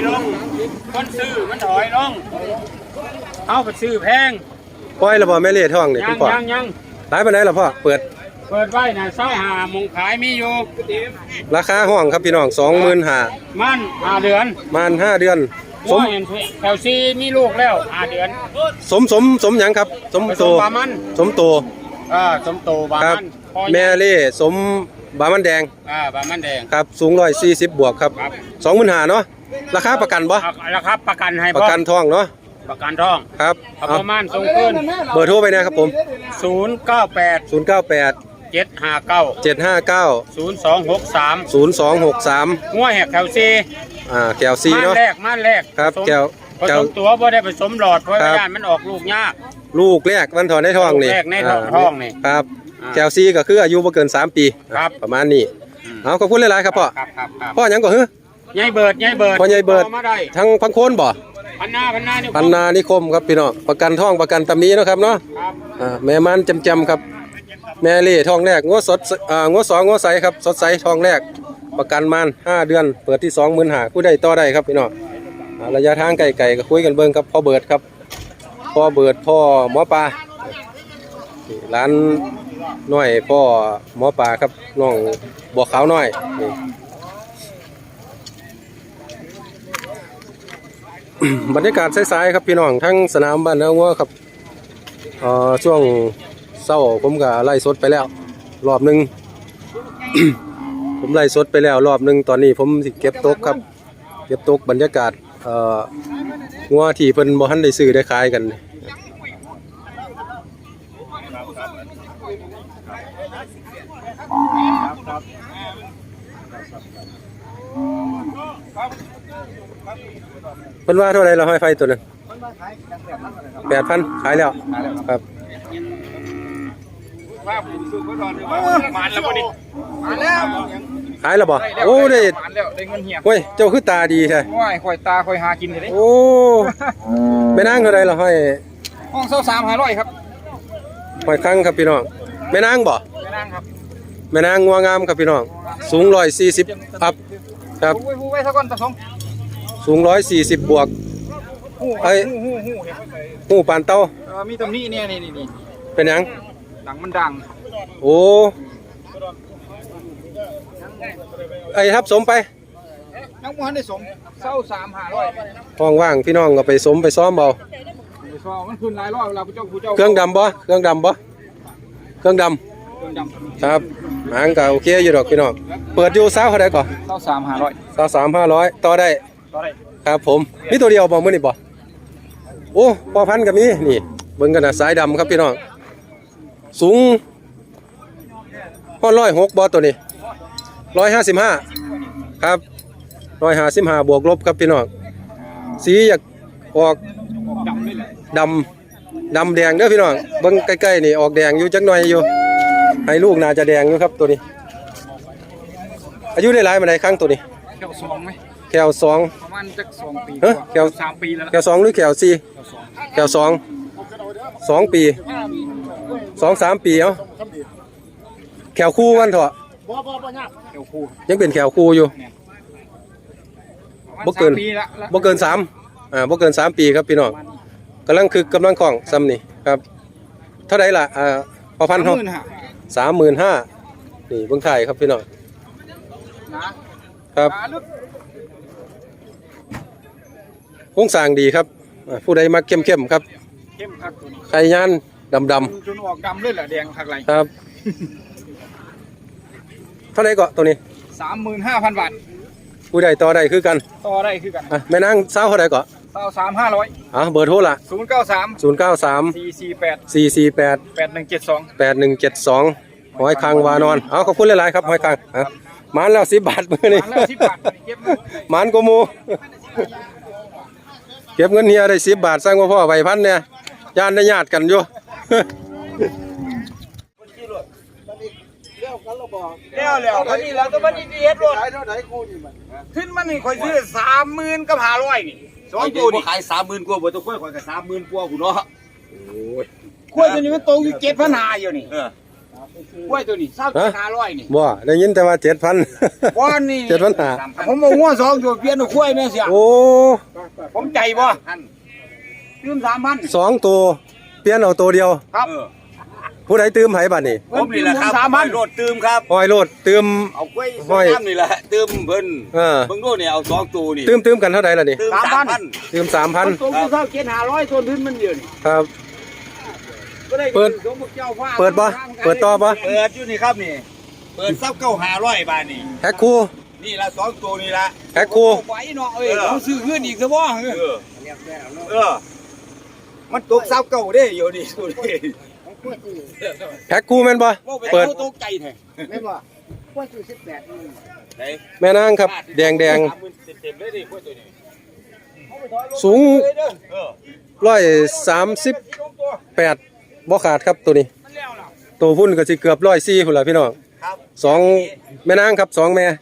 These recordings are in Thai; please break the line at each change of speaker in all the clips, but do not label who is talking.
ลงคนซื้อมันถอยลงเอาไปซื้อแพง
ปล่อยระบ่แม่เล่ท้องนี่พี่พ่อ
ยัง
หลายปานใดล่ะพ่อเปิด
ไว้นะซ้ายหามงขายมีอยู่
ราคาห้องครับพี่น้อง25,000
มัน5 เดือน
มัน5 เดือน
สมแถวซีมีลูกแล้ว5 เดือน
สมหยังครับสมโต
บามัน
สมโต
สมโตบามัน
แม่เล่สมบามันแดง
บามันแดง
ครับสูง140บวกครับ25,000เนาะราคาประกันบ่
ราคาประกันให้
ประกันทองเนาะ
ประกันทอง
ครับ
ประมาณส่งขึ้น
เบอร์โทรไปนะครับผม
098 759 0263งัวแหกแถวซี
แก้วซีเนาะ
ม่านแรก
ครับแก้ว
ตัวบ่ได้ผสมหลอดเพราะว่ามันออกลูกยาก
ลูกแรกมันถอนในท้องนี่
แรกในท้องนี่
ครับแก้วซีก็คืออายุบ่เกิน3 ปีประมาณนี้เอาขอบคุณหลายๆครับพ่อพ่อหยังก่อน
ยายเบิด
พ่อยายเบิดทั้งพังโคนบ่
พันนา
นิคมครับพี่น้องประกันท้องประกันตำนี้นะครับเนาะแม่มันจำครับแม่เล่ท้องแรกงัวสดงัว2งัวใสครับสดใสท้องแรกประกันมัน5 เดือนเปิดที่25,000ผู้ใดต่อได้ครับพี่น้องระยะทางไกลๆก็คุยกันเบิ่งครับพ่อเบิดครับพ่อเบิดพ่อหมอปลาร้านน้อยพ่อหมอปลาครับน้องบัวขาวน้อยบรรยากาศสายๆครับพี่น้องทั้งสนามบ้านนางัวครับช่วงเศร้าผมก็ไล่สดไปแล้วรอบนึง ผมไล่สดไปแล้วรอบนึงตอนนี้ผมสิเก็บตกครับเก็บตกบรรยากาศงัวที่เพิ่นบ่ทันได้ซื้อได้ขายกันเพิ่นว่าเท่าไหร่เราให้ไฟตัวนึง8,000ขายแล้วครับขายแล้วบ่โอ้ได้เงินเหี่ยเฮ้ยเจ้าคือตาดีใช่
ค่อยตาค่อยหากินเลย
โอ้แม่นางเท่าไหร่เราให้
ห้อง23,500ครับ
ห้อยครั้งครับพี่น้องแม่นางบ่
แม่นางครับ
แม่นางงัวงามครับพี่น้องสูง140อัพครับ
ผู้ไว้ซะก่อนตะสง
สูง140บวกไอ้หูปานเต้า
มีตำหนิเนี่ยนี่
เป็นหยัง
หลังมันดัง
โอ้ไอ้ทับสมไป
นักมวยได้สม23,500
ห้องว่างพี่น้องก็ไปสมไปซ้อมเบา
มันขึ้นหลายรอบเวลาผู้เจ้า
เครื่องดำบ่เครื่องดำครับหางก็โอเคอยู่ดอกพี่น้องเปิดอยู่เท่าไหร่ก่อน23,500ต่อได้ครับผมมีตัวเดียวบ่มื้อนี้บ่โอ้พอพันกับนี้นี่เบิ่งกันนะสายดำครับพี่น้องสูง106บ่ตัวนี้155ครับ155บวกลบครับพี่น้องสีอยากออกดำแดงเด้อพี่น้องเบิ่งใกล้ๆนี่ออกแดงอยู่จักหน่อยอยู่ให้ลูกน่าจะแดงอยู่ครับตัวนี้อายุได้หลายมาได้ครั้งตัวนี้
แก้ว2มั้ย
แก้ว2
ประมาณจัก2ปี
แก้ว
3ปีแล้ว
แก้ว2หรือแก้ว4แก้ว2ปี2-3 ปีเอ้าแก้วคู่กันเถอะ
แก้วคู่
ยังเป็นแก้วคู่อยู่บ่เกิน3บ่เกิน3ปีครับพี่น้องกำลังของซ้ำนี่ครับเท่าไหร่ล่ะพอพันเฮา35,000นี่เบิ่งถ่ายครับพี่น้องครับโครงสร้างดีครับผู้ใดมักเข้มครับ
เข้มคัก
ไข่ย่านดำ
จนออกดำเลยแหละแดงคักไหล
ครับเท่าไหร่ก็ตัวนี้
35,000 บาท
ผู้ใดต่อได้คือกันแม่นางสาวเท่าไหร่ก็
23,500
เบอร์โทรล่ะ
093 448 8172
หอยคังวานอนขอบคุณหลายๆครับหอยคังหมานแล้ว10 บาทมื้อนี้หมานกว่าหมู่เก็บเงินเฮียได้10 บาทสร้างว่าพ่อใบพันเนี่ยย่านได้ญาติกันอยู่
แล้วคนนี้แล้วก็มันดีเฮ็ดรถขึ้นมันนี่ค่อยซื้อ30,000กับ500นี่
2ตัวนี่ขาย30,000กว่าบ่ต้องค่อย30,000กว่าพุ่นเนาะ
โอ้ยค่อยตัวนี้มันโตอยู่7,500อยู่นี่กล้วยตัวนี้27,500นี่
บ่ได้ยินแต่ว่า 7,000
บ่นี่
7,500
ผมเอางัว2ตัวเปลี่ยนเอากล้วยแม่เสีย
โอ้
ผมใจบ่ลืม3,000
2ตัวเปลี่ยนเอาตัวเดียว
ครับ
ผู้ใดตื้มไผบัดนี้
ผมนี่แหละครับ
3,000
โรดตืมครับ
ห้อยโลดตื้ม
เอากล้วย
ห้อย
น้ำนี่แหละตืมเพิ่น
เออ
เบิ่งดูนี่เอา2ตัวนี่
ตื้มกันเท่าใดล่ะนี่
ตืม
ตื้ม
มัน
3,000
ตัวกูเท่า7,500ตัวนึงมันเดียวนี่
ครับ
ก็ได้
เปิด
สมมุติเจ้าฟ้า
เปิดบ่เปิดต่อบ่
เปิดอยู่นี่ครับนี่เปิด29,500บาทนี่
แพ็คคู่
นี่ละ2ตัวนี่ละ
แพ็คคู่
เอาไปเนาะเอ้ยเราซื้อขึ้นอีกซะบ่
มันตก29เด้อยู่นี่ดูดิ
แพ็คคู่แม่นบ่
ว่าไป
เปิด
เอาตกใจแท้
ไม่บอกกล้วย18
ไหน
แม่นางครับ แดง
30,000เต็มๆเลยดิกล้วยตัวนี้
สูง
เออ
138บ่ขาดครับตัวนี้
มันแล้วล่ะ
ตัวพุ่นก็สิเกือบ104พุ่นล่ะพี่น้อง
ครับ
สองแม่นางครับ2แม่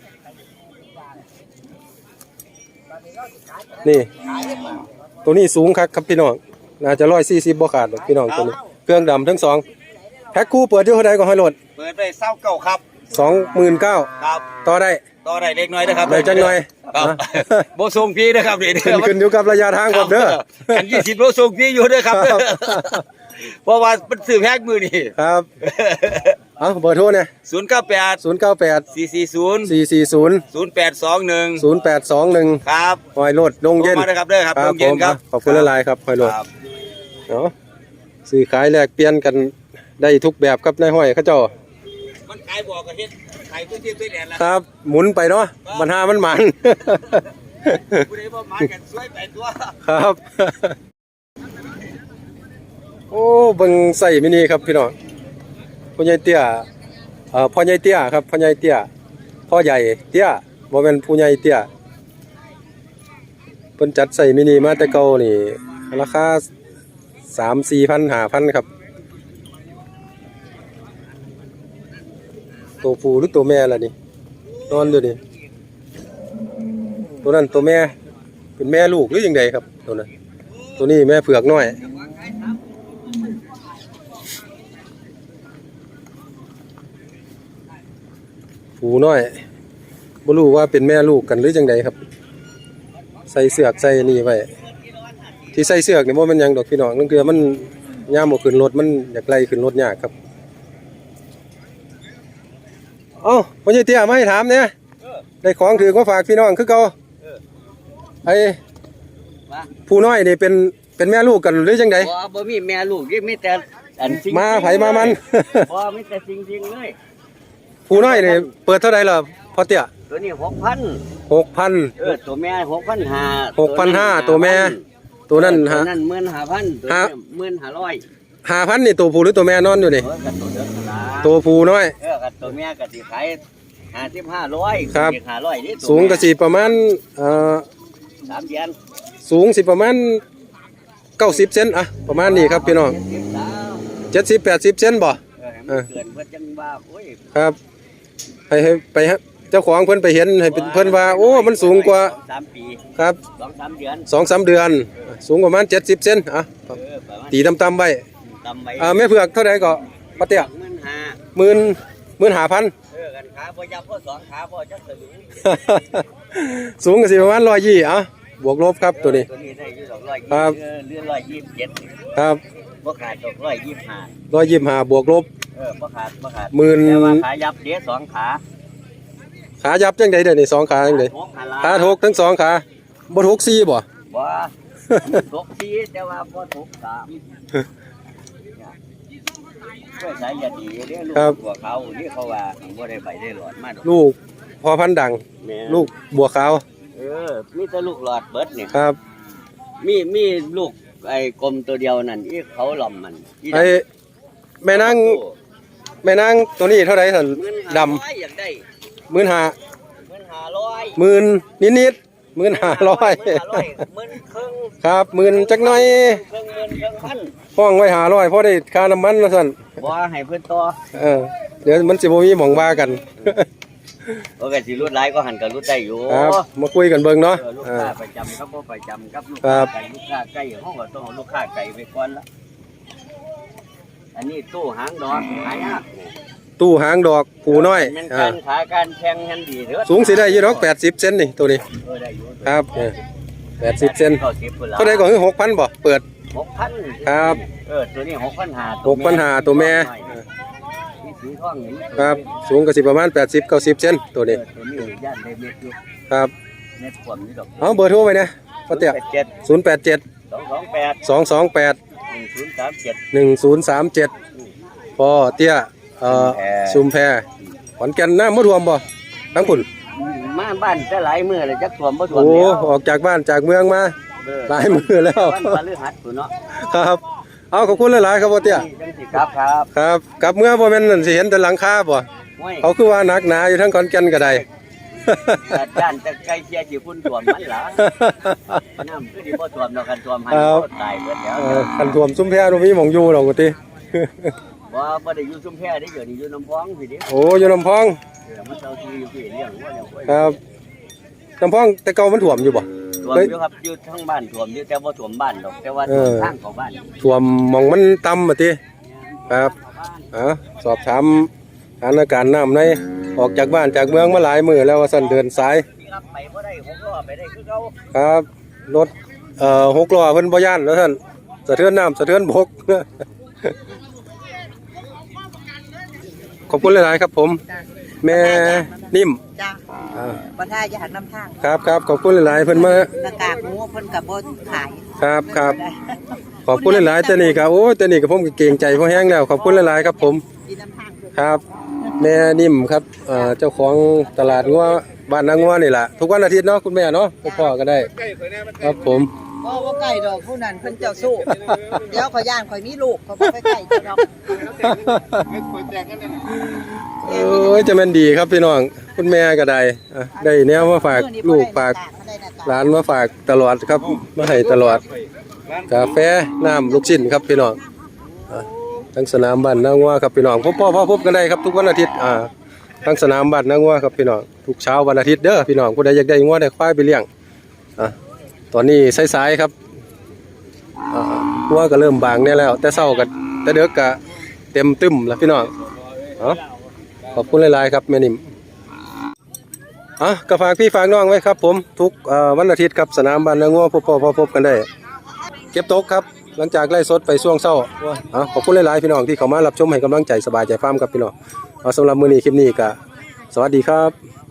นี่ ตัวนี้สูงคักครับพี่น้องน่าจะ140บ่ขาดหรอกพี่น้องตัวนี้เครื่องดำทั้งสองแพ็คคู่เปิดอยู่เท่าใดก็ให้โหลด
เปิดได้29ครับ
29,000
ครับ
ต่อได้
ต่อได้เล็กน้อยนะครับ
ได้จังหน่อย
ครับ
นะ
โบส่งพี่นะครับนี่
ขึ้นอยู่กับระยะทางครับเด้อ
กัน20โลส่งพี่อยู่เด้อครับ
ครับ
เพราะว่ามันซื้อแพ็คมือนี่
ครับเอาเบอร์โทรเนี่ย
098
098
440
440
0821
0821
ครับ
หอยโลดดงเย็น
โทรมาเลยครับเด้อครับดงเย็นครับ
ขอบคุณละลายครับหอยโลด
ครับ
เนาะซื้อขายแลกเปลี่ยนกันได้ทุกแบบครับนายห้อยเขาเจ้า
มันขายบอกกับเฮ็ดขายตัวที่ตัวแดนละ
ครับ หมุนไปเนาะปัญหามันหมัน
ผู้ใดบ่มากันช่วยไปตัว
ครับ โอ้เบิ่งใส่มินิครับพี่น้องพ่อใหญ่เตี้ยพ่อใหญ่เตี้ยครับพ่อใหญ่เตี้ยพ่อใหญ่เตี้ยบ่แม่นผู้ใหญ่เตี้ยเพิ่นจัดใส่มินิมาแต่เก่านี่ราคา 3-4,000 5,000ครับตัวผู้หรือตัวแม่ล่ะนี่นอนอยู่นี่ตัวนั้นตัวแม่เป็นแม่ลูกหรือยังไงครับตัวนั้นตัวนี้แม่เผือกน้อยผูน้อยบ่รู้ว่าเป็นแม่ลูกกันหรือจังไดครับใส่เสือกใส่นี่ไว้ที่ใส่เสือกนี่บ่แม่นหยังดอกพี่น้องนั่นคือมันย่ามบ่ขึ้นรถมันอยากไล่ขึ้นรถยากครับเอ้าพ่อใหญ่เตี้ยมาให้ถามเนี่ยได้ของถือมาฝากพี่น้องคือเก่าไอ้ผู้น้อยนี่เป็นแม่ลูกกันหรือจังได
บ่มีแม่ลูกมีแต่อันจริง
มาไผมามัน
บ่มีแต่จริงๆเลย
ผู้น้อยนี่เปิดเท่าไหร่ล่ะพ่อเตี้ย
ตัวนี้6,000
6,000
ตัวแม่6,500
6,500ตัวแม่ตัวนั้น
ตัว
ฮะ
นั้น15,000ตัวนี้1,500
5,000นี่ตัวผู้หรือตัวแม่นอนอยู่นี่
กับตัวเดียวกันละ
ตัวผู้น้อย
กับตัวแม่ก็สิขาย55,100
ครับ
500นี่ตัว
สูงก็สิประมาณ
3เดือน
สูงสิประมาณ90เซนอะประมาณนี้ครับพี่น้อง70-80เซนบ่
เกินเพิ่นจังว่าโอ้ย
ครับให้ไปฮะเจ้าของเพิ่นไปเห็นให้เพิ่นว่าโอ้มันสูงกว่า
3 ปี
ครับ
2-3 เดือน
2-3 เดือน สูงประมาณ70เซนอ่ะ
ประมาณ
ตีต่ำๆไว้
ตำไว้
แม่เผือกเท่าใดก็พ่อเตี้ย
15,000
15,000
กันขาบ่ยับบ่2ขาบ่จักสลึง
สูงก็สิประมาณ120อ่ะบวกลบครับตัวนี้
ตัวนี้ได้อยู่ดอก
ครับ
120เรือ127
ครับ
บ่ขาดดอก125
125บวกลบ
บ่ขาด
หมื่น
แต่ว่าขายับเด้2ขา
ขายับจังได๋เด้อนี่2ขาจังได๋ ขาทกทั้ง2ขาบ่ทก4บ่
บ่ทก4แต่ว่าบ่ทก3ช่วยสายยาดีเด้ลูกหัวเขานี่เขาว่าบ่ได้ไปได้หลอดมาดอก
ลูกพอพันธุ์ดัง
แม่
ลูกบัวขาว
มีแต่ลูกหลอดเบิดนี่
ครับ
มีลูกไอ้กลมตัวเดียวนั่นอีเขาหล่อมมันอี
ไอ้แม่นางตัวนี้เท่าไหร่ท่านดำ
15,000อยากได้
15,000
15,000
หมื่นนิดๆ15,000
15,000
ครับ 10,000จักหน่อย
ครึ่งพัน
ห้องไว้500พอได้ค่าน้ำมันว่าซั่น
บ่ให้เพิ่นต่อ
เดี๋ยวมันสิบ่มีหม่องว่ากัน
โอเคสิรุดหลายก็หันก็รุดได้อยู่
ครับมาคุยกันเบิ่งเนาะ
ลูกค้าประจำครับบ่ประจำครับลูก
ครั
ค้า
บ
ไก่ลูกค้าไก่ห้องก็ต้องเอาลูกค้าไก่ไปก่อนละอันนี้ตู้หางดอกหายาก
ตู้หางดอกผูน้อย
มันการขาการแข่งกันดีเด้อ
สูงสิได้อยู่ดอก80เซนนี่ตัวนี้
ได้อยู่
ครับ80เซน
90พุ่นล่ะ
เท่าใดก็คือ 6,000บ่เปิด
6,000
ครับ
ตัวนี้6,500
6,500ตัวแม่
นี่สีทองนี่
ครับสูงก็สิประมาณ80 90เซนตัวนี้
ตัวนี้ย่านได้เม็ดอยู่
ครับ
เม็ดความนี่ดอก
เอาเบอร์โทรไว้นะพ่อเตี้ย
087
087 228 1037พอเตี้ยชุมแพขอนแก่นน้ำมะรวมบ่ทั้งคุณ
มาบ้านจะหลายมื้อเลยจักท่วมบ่ท่วม
โอ้
แล้ว
ออกจากบ้านจากเมืองมาหลายมือแล้ว
วันพฤหัสพุ่นเนาะ
ครับเอาขอบคุณหลายๆครับพ่อเตี้ย
จังสิครับครับ
ครับกลับเมื่อบ่แม่นนั่นสิเห็นแต่หลังคาบ่
ห้วย
เขาคือว่าหนักหนาอยู่ทั้งขอนแก่นก็ได้
ด้านจะใกล้เคียงสิพุ่นท่วมมันล่ะน้ำคือสิบ่ท่วมดอกกันท่วมให้
ครับ
ตายเบิดแล้ว
คันท่วมซุ้มแพบ่มีหม่องอยู่ดอกว่าติ
บ่ได้อยู่ชุมแพได้เดี๋ยวนี้อยู่น้ำพองพี่ดิ
โอ้อยู่ลำพอง
มันเจ้าที่อยู่พี่เลี้ยงว่าเนี่ย
ครับลำพองแต่เก่ามันท่วมอยู่บ่
ท่วมอยู่ครับอยู่ทั้งบ้านท่วมอยู่แต่บ่ท่วมบ้านดอกแต่ว่าท่วมทางเข้าบ้าน
ท่วมหม่องมันต่ำว่าติครับสอบถามสถานการณ์น้ำในออกจากบ้านจากเมืองมาหลายมื้อแล้วว่าซั่นเดินสาย
รับไปบ่ได้6ล้อไปได้คือเก่า
ครับรถ6ล้อเพิ่นบ่ย่านแล้วท่านสะเทือนน้ำสะเทือนบก ขอบคุณหลายๆครับผม แม่นิ่ม
จ้า
อ่า
บ่ท่าอย่าหันน้ำทาง
ครับครับขอบคุณหลายๆเพิ่นมา
หน้ากากหมูเพิ่นก็บ่ขาย
ครับครับขอบคุณหลายๆแต่นี่ครับโอ้แต่นี่ก็ผมก็เกรงใจพอแห้งแล้วขอบคุณหลายๆครับผม
กินน้ำทางด้วย
ครับ แม่นิ่มครับเจ้าของตลาดงัวบ้านนางงัวนี่แหละทุกวันอาทิตย์เนาะคุณแม่เนาะพ่อก็ได้ ครับผม
บ่ใกล้ดอกผู้นั้นเพิ่นเจ้าสู้ เดี๋ยวขอยย่านข่อยมีลูกเขาบ่ไปใกล้เจ้าดอก
โอ้ยจะแม่นดีครับพี่น้องคุณแม่ก็ได้ได้แนวมาฝากลูกฝากหลานมาฝากตลอดครับมาให้ตลอดกาแฟน้ำลูกชิ้นครับพี่น้องทั้งสนามบ้านนางงัวครับพี่น้องพบกันได้ครับทุกวันอาทิตย์ทั้งสนามบ้านนางงัวครับพี่น้องทุกเช้าวันอาทิตย์เด้อพี่น้องผู้ใดอยากได้งัวได้ควายไปเลี้ยงตอนนี้สายๆครับงัวก็เริ่มบางเนี่ยแล้วแต่เช้าก็แต่เด็กก็เต็มตึ้มแล้วพี่น้องขอบคุณหลายๆครับแม่นิ่มก็ฝากพี่ฝากน้องไว้ครับผมทุกวันอาทิตย์ครับสนามบ้านนางงัวพบกันได้เก็บตกครับหลังจากไล่สดไปช่วงเช้าขอบคุณหลายๆพี่น้องที่เข้ามารับชมให้กำลังใจสบายใจฟาร์มครับพี่น้องสำหรับมื้อนี้คลิปนี้ก็สวัสดีครับ